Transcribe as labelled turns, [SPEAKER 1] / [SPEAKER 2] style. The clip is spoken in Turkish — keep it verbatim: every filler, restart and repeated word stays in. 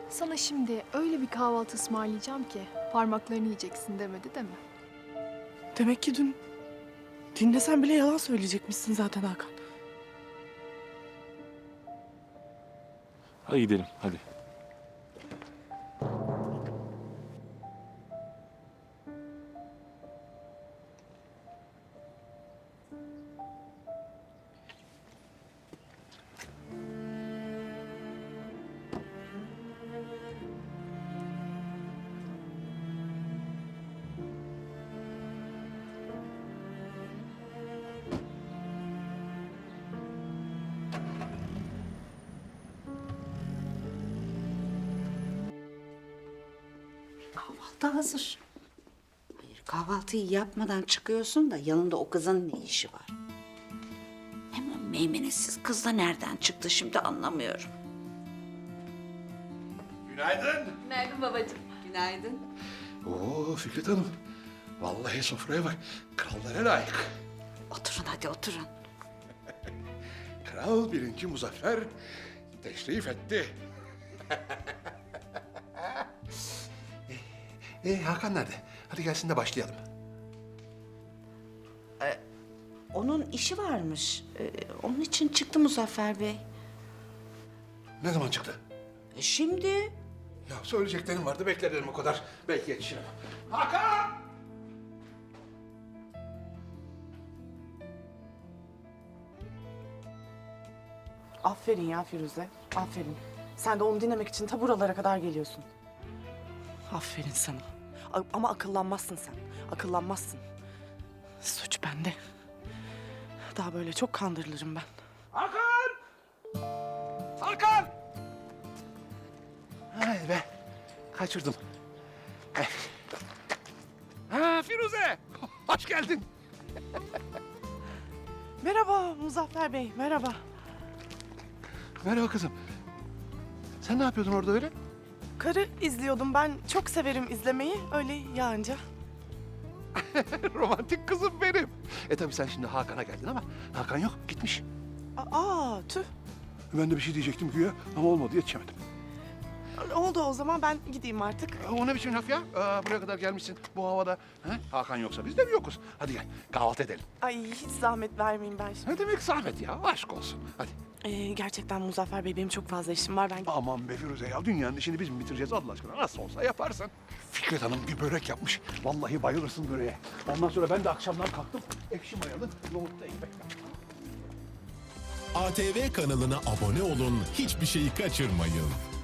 [SPEAKER 1] Sana şimdi öyle bir kahvaltı ısmarlayacağım ki parmaklarını yiyeceksin demedi değil mi?
[SPEAKER 2] Demek ki dün dinlesen bile yalan söyleyecekmişsin zaten Hakan.
[SPEAKER 3] Hadi gidelim hadi.
[SPEAKER 4] Kahvaltı hazır. Hayır, kahvaltıyı yapmadan çıkıyorsun da yanında o kızın ne işi var? Hem o meymenetsiz kız da nereden çıktı şimdi anlamıyorum.
[SPEAKER 5] Günaydın.
[SPEAKER 1] Günaydın babacığım.
[SPEAKER 4] Günaydın.
[SPEAKER 5] Oo Fikret Hanım. Vallahi sofraya bak. Krallara layık.
[SPEAKER 4] Oturun hadi oturun.
[SPEAKER 5] Kral birinci Muzaffer teşrif etti. e, e, Hakan nerede? Hadi gelsin de başlayalım.
[SPEAKER 4] Onun işi varmış. Ee, onun için çıktı Muzaffer Bey.
[SPEAKER 5] Ne zaman çıktı?
[SPEAKER 4] E şimdi?
[SPEAKER 5] Ya söyleyeceklerim vardı, beklerim o kadar. Belki yetişirim. Hakan!
[SPEAKER 2] Aferin ya Firuze, aferin. Sen de onu dinlemek için ta buralara kadar geliyorsun. Aferin sana. A- ama akıllanmazsın sen, akıllanmazsın. Suç bende. Daha böyle çok kandırılırım ben.
[SPEAKER 5] Hakan! Hakan! Hay be, kaçırdım. Eh. Ha Firuze, hoş geldin.
[SPEAKER 2] Merhaba Muzaffer Bey, merhaba.
[SPEAKER 5] Merhaba kızım. Sen ne yapıyordun orada öyle?
[SPEAKER 2] Karı izliyordum, ben çok severim izlemeyi, öyle yağınca.
[SPEAKER 5] Romantik kızım benim. E tabii sen şimdi Hakan'a geldin ama Hakan yok, gitmiş.
[SPEAKER 2] Aa, tüh.
[SPEAKER 5] Ben de bir şey diyecektim güya ama olmadı, yetişemedim.
[SPEAKER 2] Oldu o zaman, ben gideyim artık.
[SPEAKER 5] E, O ne biçim laf ya? Aa, buraya kadar gelmişsin bu havada. Ha? Hakan yoksa biz de mi yokuz? Hadi gel, kahvaltı edelim.
[SPEAKER 2] Ay hiç zahmet vermeyin ben şimdi.
[SPEAKER 5] Ne demek zahmet ya? Aşk olsun. Hadi.
[SPEAKER 2] Ee, gerçekten Muzaffer Bey benim çok fazla işim var. Ben
[SPEAKER 5] Aman be Firuze ya, dünyanın işini biz mi bitireceğiz Allah aşkına? Nasıl olsa yaparsın. Fikret Hanım bir börek yapmış. Vallahi bayılırsın böreğe. Ondan sonra ben de akşamdan kalktım. Ekşi mayalı nohutlu ekmek yaptım.
[SPEAKER 6] A T V kanalına abone olun, hiçbir şeyi kaçırmayın.